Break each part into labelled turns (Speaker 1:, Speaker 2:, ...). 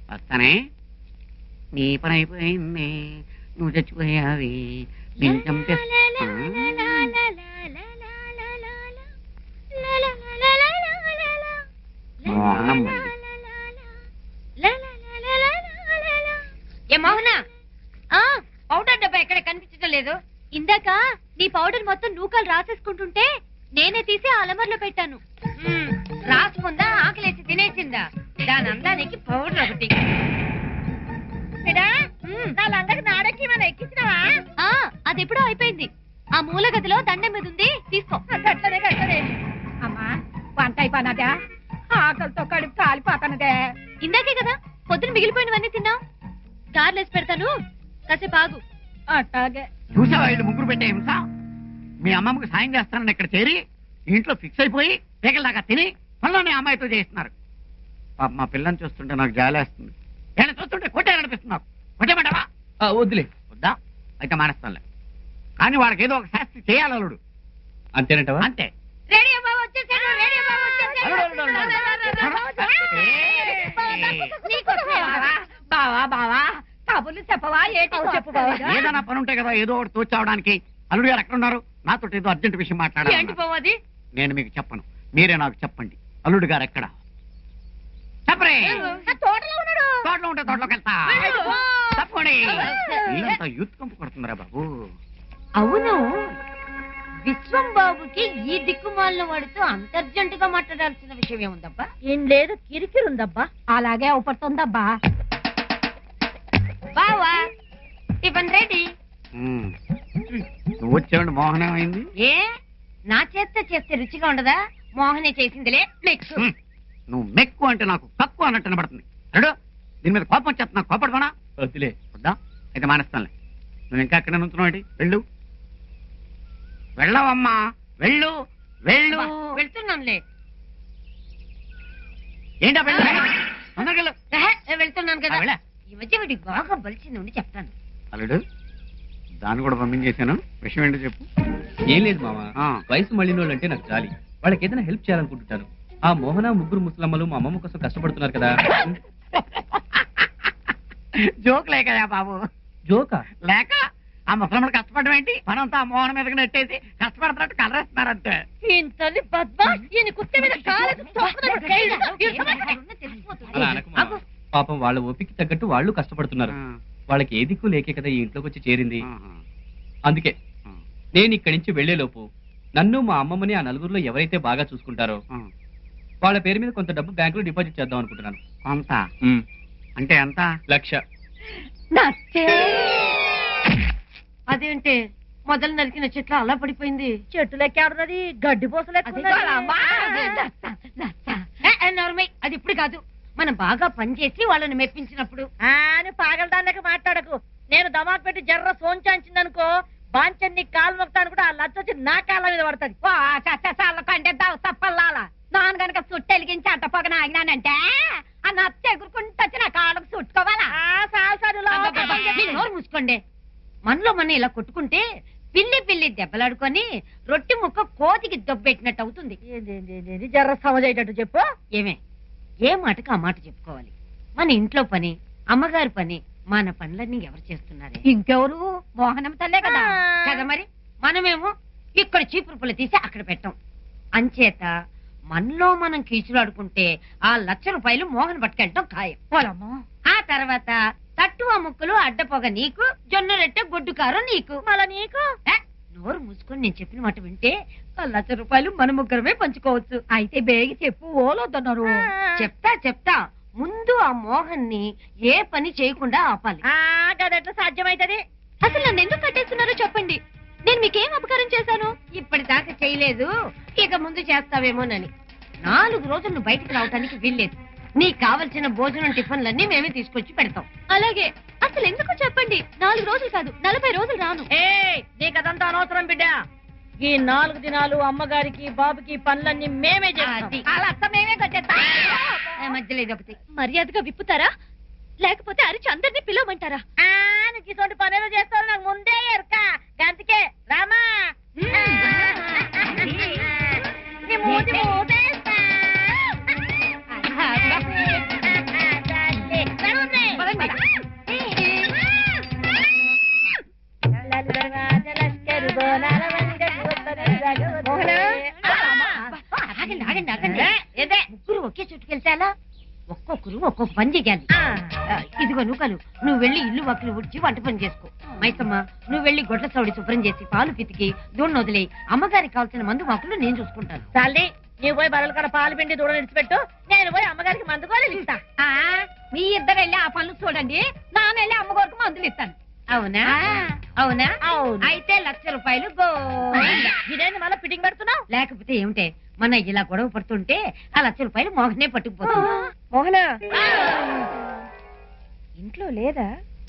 Speaker 1: వస్తానే. నీ పని అయిపోయింది, నువ్వు చచ్చిపోయావి, నేను చంపేస్తా.
Speaker 2: ఏ మోహన, పౌడర్ డబ్బా ఎక్కడ కనిపించడం లేదు.
Speaker 3: ఇందాక నీ పౌడర్ మొత్తం నూకలు రాసేసుకుంటుంటే నేనే తీసి అలమర్లో పెట్టాను.
Speaker 2: రాసుకుందా, ఆకలేసి తినేసిందా? దాని అందానికి పౌడర్ ఒకటి.
Speaker 3: అది ఎప్పుడో అయిపోయింది. ఆ మూల గదిలో దండం మీద ఉంది, తీసుకో.
Speaker 2: అమ్మా, వంట అయిపోయినదా? ఆకలితో కడుపు కాలిపోతానదే.
Speaker 3: ఇందాకే కదా పొద్దున మిగిలిపోయినవన్నీ తిన్నావు. గార్లేసి పెడతాను, కాసేపు ఆగు.
Speaker 2: అట్టాగే.
Speaker 1: చూసావా వీళ్ళు ముగ్గురు పెట్టే హింస? మీ అమ్మమ్మకు సాయం చేస్తానని ఇక్కడ చేరి ఇంట్లో ఫిక్స్ అయిపోయి పేకల దాకా తిని పనులోనే అమ్మాయితో చేస్తున్నారు. పాప మా పిల్లని చూస్తుంటే నాకు జాలేస్తుంది. నేను చూస్తుంటే కొట్టేయాలనిపిస్తున్నారు. కొట్టేమంటావా?
Speaker 4: వద్దులే.
Speaker 1: వద్దా? అయితే మానేస్తానులే. కానీ వాడికి ఏదో ఒక శాస్త్రి చేయాలి అల్లుడు.
Speaker 4: అంతేనంటవా?
Speaker 1: అంతే.
Speaker 2: రేడియో బాబు వచ్చేసాడు, రేడియో బాబు వచ్చేసాడు. బావా బావా, కబుర్లు చెప్పవా? చెప్పు బావా.
Speaker 1: ఏదైనా పని ఉంటే కదా ఏదో ఒకటి తోచావడానికి. అల్లుడు గారు ఎక్కడ ఉన్నారు? నాతో ఏదో అర్జెంట్ విషయం
Speaker 2: ఏంటి
Speaker 1: మాట్లాడాలి.
Speaker 2: పోవది?
Speaker 1: నేను మీకు చెప్పను, మీరే నాకు చెప్పండి. అల్లుడు గారు ఎక్కడ? చెప్పరే.
Speaker 2: తోటలో ఉన్నాడు.
Speaker 1: తోటలో ఉంటే తోటలోకి వెళ్తా. తప్పండి. వీళ్ళంతా యూత్ కంపు కొడుతున్నారా బాబు?
Speaker 2: అవును, విశ్వం బాబుకి ఈ దిక్కుమాలిన వాడితో అంతర్జంటుగా మాట్లాడాల్సిన విషయం ఏముందబ్బా?
Speaker 3: ఏం లేదు, కిరికిరుందబ్బా.
Speaker 2: అలాగే అవుపడుతుందబ్బా. బావా, టిఫిన్ రెడీ.
Speaker 1: నువ్వు వచ్చేవాడి మోహన్ ఏమైంది?
Speaker 2: ఏ నా చేస్తే రుచిగా ఉండదా? మోహనే చేసిందిలే. నెక్స్ట్
Speaker 1: నువ్వు మెక్కు అంటే నాకు తక్కువ అన్నట్టు వినబడుతుంది. అడు దీని మీద కోపం వచ్చేస్తా. నాకు కోపడమనా?
Speaker 4: వద్దులే.
Speaker 1: వద్దా? అయితే మానేస్తానులే. నువ్వు ఇంకా ఎక్కడ నుంచున్నావు? వెళ్ళు. వెళ్ళవమ్మా, వెళ్ళు వెళ్ళు.
Speaker 2: వెళ్తున్నానులే.
Speaker 1: ఏంటా వెళ్ళు, తొందరగా వెళ్ళు.
Speaker 2: వెళ్తున్నాను కదా.
Speaker 1: వెళ్ళ.
Speaker 2: ఈ మధ్య వీడికి బాగా బలిసింది ఉండి చెప్తాను.
Speaker 1: అల్లుడు, దాన్ని కూడా పంపించేశాను. విషయం ఏంటో చెప్పు.
Speaker 4: ఏం లేదు మామ, వయసు మళ్ళిన వాళ్ళు అంటే నాకు జాలి. వాళ్ళకి ఏదైనా హెల్ప్ చేయాలనుకుంటుంటాను. ఆ మోహన ముగ్గురు ముసలమ్మలు మా అమ్మమ్మ కోసం కష్టపడుతున్నారు కదా.
Speaker 1: జోక్ లేకయా బాబు?
Speaker 4: జోకా?
Speaker 1: లేక ఆ ముసలమ్మడు కష్టపడడం ఏంటి? పనంతా ఆ మోహన మీదకి నెట్టేసి కష్టపడుతున్నట్టు కలరేస్తున్నారు అంతే.
Speaker 2: ఇంతని బద్మాష్, ఈయన కుత్తే మీద కాలేదు.
Speaker 4: అలా అనకు మామ. పాపం వాళ్ళ ఓపిక తగ్గట్టు వాళ్ళు కష్టపడుతున్నారు. వాళ్ళకి ఏ దిక్కు లేకే కదా ఈ ఇంట్లోకి వచ్చి చేరింది. అందుకే నేను ఇక్కడి నుంచి వెళ్లేలోపు నన్ను మా అమ్మమ్మని ఆ నలుగురిలో ఎవరైతే బాగా చూసుకుంటారో వాళ్ళ పేరు మీద కొంత డబ్బు బ్యాంకులో డిపాజిట్ చేద్దాం అనుకుంటున్నాను.
Speaker 1: కొంత అంటే ఎంత?
Speaker 4: 1,00,000.
Speaker 2: అదేంటి మొదలు నరికిన చెట్లు అలా పడిపోయింది?
Speaker 3: చెట్టు లెక్కేడున్నది, గడ్డి పోసలు.
Speaker 2: అది ఇప్పుడు కాదు, మనం బాగా పనిచేసి వాళ్ళని మెప్పించినప్పుడు.
Speaker 3: పాగలదానికి మాట్లాడకు. నేను దమాక్ పెట్టి జర్ర సోంచాంచిందనుకో, బాంచన్ని కాలు మొక్తాను కూడా ఆ లచ్చొచ్చి నా కాళ్ళ మీద పడుతుంది.
Speaker 2: కంటే తప్పల్లాలా నాన్న గనక సుట్టు వెలిగించి అట్టపోగన ఆగినానంటే ఆ నచ్చ ఎగురుకుంటూ వచ్చి నా కాళ్ళకు చుట్టుకోవాలా? నోరు మూసుకోండి. మనలో మన ఇలా కొట్టుకుంటే పిల్లి దెబ్బలాడుకొని రొట్టి ముక్క కోతికి దొబ్బెట్టినట్టు అవుతుంది.
Speaker 3: జర్ర సమజేటట్టు చెప్పు.
Speaker 2: ఏమే, ఏ మాటకు ఆ మాట చెప్పుకోవాలి. మన ఇంట్లో పని, అమ్మగారి పని, మన పనులన్నీ ఎవరు చేస్తున్నారు? ఇంకెవరు? మోహనం తల్లే కదా. కదా మరి మనమేమో ఇక్కడ చీపురు పుల్ల తీసి అక్కడ పెట్టాం. అంచేత మనలో మనం కీచులాడుకుంటే ఆ 1,00,000 రూపాయలు మోహన్ పట్టుకెళ్ళటం ఖాయం. ఆ తర్వాత తట్టువ ముక్కలు అడ్డపోగ నీకు, జొన్న రొట్టె గొడ్డు కారం నీకు. మళ్ళా నీకు నోరు మూసుకొని నేను చెప్పిన మాట వింటే ఆ 1,00,000 రూపాయలు మన ముగ్గురమే పంచుకోవచ్చు.
Speaker 3: అయితే బేగి చెప్పు, ఓలొద్దన్నారు.
Speaker 2: చెప్తా. ముందు ఆ మోహన్ ని ఏ పని చేయకుండా ఆపాలి.
Speaker 3: గదెట్లా సాధ్యమైతది? అసలు నన్ను ఎందుకు కట్టేస్తున్నారో చెప్పండి. నేను మీకేం అపకారం చేశాను?
Speaker 2: ఇప్పటిదాకా చేయలేదు, ఇక ముందు చేస్తావేమోనని. 4 రోజులు నువ్వు బయటికి రావటానికి వీల్లేదు. నీకు కావలసిన భోజనం టిఫిన్లన్నీ మేమే తీసుకొచ్చి పెడతాం.
Speaker 3: అలాగే. అసలు ఎందుకు చెప్పండి. 4 రోజులు కాదు, 40 రోజులు రాను. నీకదంతా అనవసరం బిడ్డ. ఈ 4 దినాలు అమ్మగారికి బాబుకి పనులన్నీ మేమే చేస్తాం.
Speaker 2: మేమే కట్టేస్తాం. మధ్యలో ఇదొకటి.
Speaker 3: మర్యాదగా విప్పుతారా, లేకపోతే అరిచి అందరినీ పిలవమంటారా?
Speaker 2: ఇటువంటి పనులు చేస్తారు నాకు ముందే ఎరుక. గంతకే రామా ఒక్కొక్క పని చెయ్యాలి. ఇదిగో నూకలు, నువ్వు వెళ్ళి ఇల్లు వక్కులు ఉడిచి వంట పని చేసుకో. మైసమ్మ, నువ్వు వెళ్ళి గొడ్ల సౌడి శుభ్రం చేసి పాలు పితికి దూడను వదిలేయి. అమ్మగారికి కావాల్సిన మందు మాకులు నేను చూసుకుంటాను.
Speaker 3: తల్లి, నీవు పోయి బరల కాడ పాలు పిండి దూడ నిడిచిపెట్టు, నేను పోయి అమ్మగారికి మందు కూడా ఇస్తా.
Speaker 2: మీ ఇద్దరు వెళ్ళి ఆ పనులు చూడండి, నాన్న వెళ్ళి అమ్మగారికి మందులు ఇస్తాను. అవునా? అవునా? అయితే 1,00,000 రూపాయలు
Speaker 3: ఇదేంటి మళ్ళీ ఫిట్టింగ్ పెడుతున్నావు?
Speaker 2: లేకపోతే ఏమిటే, మన ఇలా గొడవ పడుతుంటే ఆ 1,00,000 రూపాయలు మోహనే పట్టుకుపోతుంది.
Speaker 3: మోహన
Speaker 2: ఇంట్లో లేదా?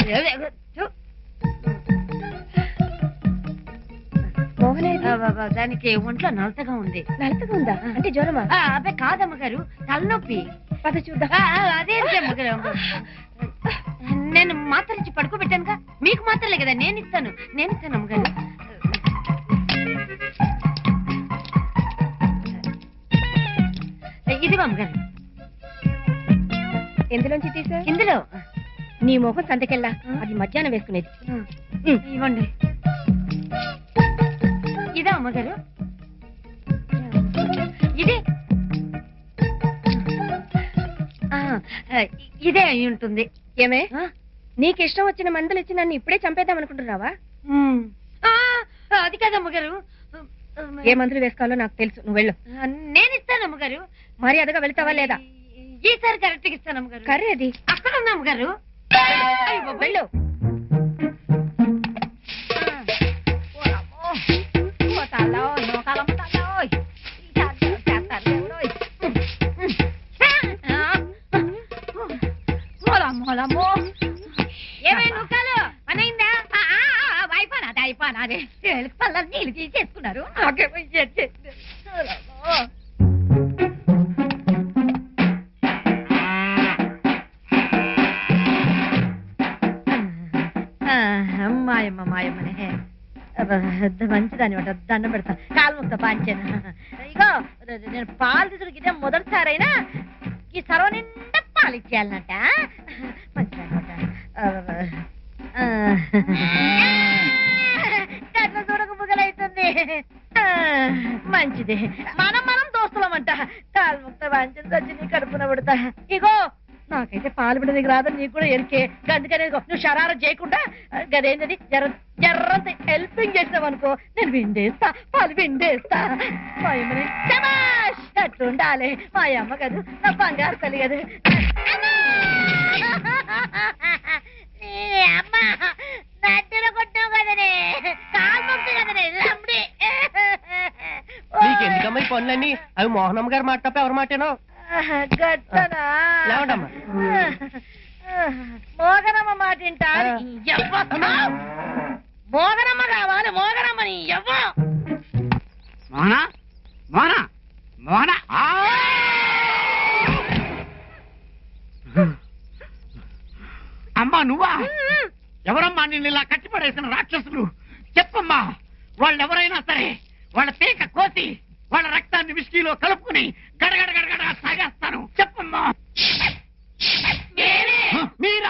Speaker 2: దానికి ఒంట్లో నలతగా ఉంది.
Speaker 3: నలతగా ఉందా? అంటే జ్వరమా?
Speaker 2: అబ్బాయి కాదమ్మ గారు, తలనొప్పి.
Speaker 3: పద చూద్దాం.
Speaker 2: అదే అమ్మగారు, నేను మాత్రలు ఇచ్చి పడుకోబెట్టానుగా. మీకు మాత్రలే కదా, నేను ఇస్తాను అమ్మగారు. ఇదిగో అమ్మగారు.
Speaker 3: ఎందులోంచి తీసా?
Speaker 2: ఇందులో.
Speaker 3: నీ మొహం సంతకెళ్ళా, అది మధ్యాహ్నం వేసుకునేది.
Speaker 2: ఇవ్వండి. ఇదే అమ్మగారు, ఇదే ఇదే అయి ఉంటుంది.
Speaker 3: ఏమే, నీకు ఇష్టం వచ్చిన మందులు ఇచ్చి నన్ను ఇప్పుడే చంపేద్దాం అనుకుంటున్నావా?
Speaker 2: అది కాదమ్మగారు.
Speaker 3: ఏ మందులు వేసుకోవాలో నాకు తెలుసు, నువ్వు వెళ్ళు.
Speaker 2: నేను ఇస్తాను అమ్మగారు.
Speaker 3: మరి అదగా వెళ్తావా లేదా?
Speaker 2: ఈసారి కరెక్ట్ గా ఇస్తాను అమ్మగారు.
Speaker 3: కర్రీ అది
Speaker 2: అక్కడ ఉంది అమ్మగారు.
Speaker 3: వెళ్ళు.
Speaker 2: అయిపోయినాదే పళ్ళని నీళ్ళు తీసేసుకున్నారు. మాయమ్మ మాయమ్మనే మంచిదాని ఒకటి దండం పెడతా, కాలు ముక్త పాంచాను. ఇగో నేను పాలు తీసుకు ఇదే మొదటిసారైనా ఈ సర్వ నిండా పాలు ఇచ్చేయాలన్నట. మంచిదాని కట్ల చూడక బుగలైతుంది. మంచిది, మనం దోస్తులమంట. కాలు ముక్త పాంచని సచ్చి కడుపున పడతా. ఇగో నాకైతే పాలు బిడ్డ నీకు రాదని నీకు కూడా ఎరికే. అందుకనే నువ్వు షరారం చేయకుండా గదేంటది జర్రంత హెల్పింగ్ చేసినావు అనుకో, నేను విండేస్తా, పాలు విండేస్తా. మా అమ్మని శబాష్ అట్లుండాలి. మా అమ్మ కాదు, నా బంగారు తల్లి కదా. అమ్మ నట్టులో కొట్టావు కదనే, కాలు మొక్కు కదనే లంబడి.
Speaker 5: నీకెందుకమ్మా ఈ పనులన్నీ? అవి మోహనమ్మ గారు మాట తప్ప ఎవరి మాటేనో.
Speaker 2: గట్టనా మోగనమ్మ మాట వింటారు. మోగనమ్మ కావాలి, మోగనమ్మని ఎవ్వ.
Speaker 1: మోహనా మోహనా మోహనా, అమ్మా నువ్వా? ఎవరమ్మా నిన్ను ఇలా కట్టిపడేసిన రాక్షసులు? చెప్పమ్మా. వాళ్ళెవరైనా సరే వాళ్ళ పీక కోసి వాళ్ళ రక్తాన్ని విస్కీలో కలుపుకుని గడగడ గడగడ సాగేస్తాను. చెప్పమ్మా. మీరా?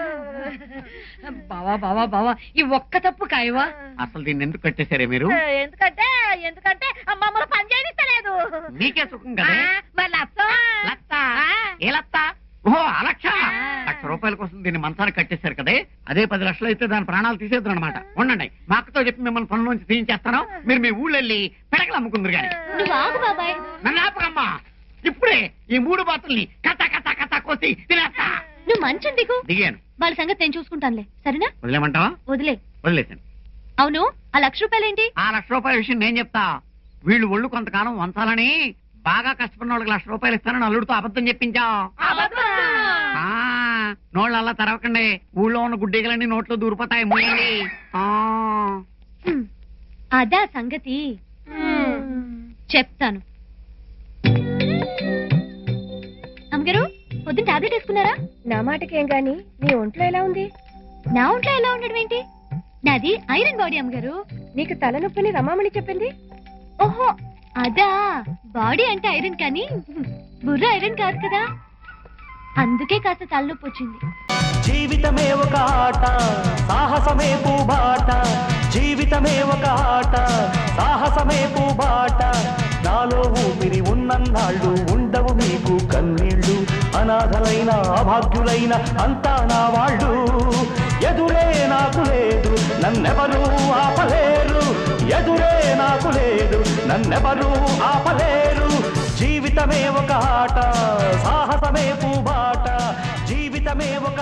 Speaker 2: బావా బావా బావా, ఈ ఒక్క తప్పు కాయవా?
Speaker 1: అసలు దీన్ని ఎందుకు కట్టేశారే మీరు?
Speaker 2: ఎందుకంటే మమ్మల్ని పని చేయనిస్తలేదు.
Speaker 1: మీకే సుఖం కదా.
Speaker 2: మరి
Speaker 1: లత్త ఏ లత్త? ఓహో ఆ లక్ష. 1,00,000 రూపాయల కోసం దీన్ని మంచానికి కట్టేశారు కదే. అదే 10 లక్షలు అయితే దాని ప్రాణాలు తీసేద్దరు అనమాట. ఉండండి, మా అక్కతో చెప్పి మిమ్మల్ని పనుల నుంచి తీయించేస్తాను. మీరు మీ ఊళ్ళో వెళ్ళి పెడకలు అమ్ముకుందరు కానీ.
Speaker 3: నువ్వు ఆగు బాబాయ్.
Speaker 1: నన్ను ఆపకమ్మా. ఇప్పుడే ఈ 3 బాతుల్ని కథ కథ కథ కోసి తినేస్తా.
Speaker 3: నువ్వు మంచం
Speaker 1: దిగాను.
Speaker 3: వాళ్ళ సంగతి నేను చూసుకుంటానులే, సరేనా?
Speaker 1: వదిలేమంటావా? వదిలేశాను.
Speaker 3: అవును, ఆ 1,00,000 రూపాయలేంటి?
Speaker 1: ఆ 1,00,000 రూపాయల విషయం నేను చెప్తా. వీళ్ళు ఒళ్ళు కొంతకాలం వంచాలని బాగా కష్టపడిన వాళ్ళకి 1,00,000 రూపాయలు ఇస్తానని అల్లుడితో అబద్ధం చెప్పించా. నోళ్ళు అలా తెరవకండి, ఊళ్ళో ఉన్న గుడ్డీగలన్నీ నోట్లో దూరిపోతాయి. మూయండి.
Speaker 3: అదా సంగతి, చెప్తాను. అమ్మగారు, పొద్దున్న టాబ్లెట్ వేసుకున్నారా?
Speaker 6: నా మాటకేం గాని నీ ఒంట్లో ఎలా ఉంది?
Speaker 3: నా ఒంట్లో ఎలా ఉండడం ఏంటి? నాది ఐరన్ బాడీ అమ్మగారు.
Speaker 6: నీకు తలనొప్పిని రమామణి చెప్పింది.
Speaker 3: ఓహో అదా, బాడీ అంటే ఐరన్ కానీ బుర్ర ఐరన్ కాదు కదా, అందుకే కాస్త తలనొప్పి వచ్చింది.
Speaker 7: జీవితమే ఒక ఆట, సాహసమే పూబాట. జీవితమే ఒక ఆట, సాహసమే పూబాట. నాలో ఊపిరి ఉన్నన్నాళ్ళు ఉండవు మీకు కన్నీళ్ళు. అనాథలైన అభాగ్యులైన అంతా నా వాళ్ళు ఎదురే నాకు లేదు నన్నెవరూ ఆపలేరు ఎదురే నాకు లేదు నన్నెవరూ ఆపలేరు జీవితమే ఒక ఆట సాహసమే పూబాట జీవితమే ఒక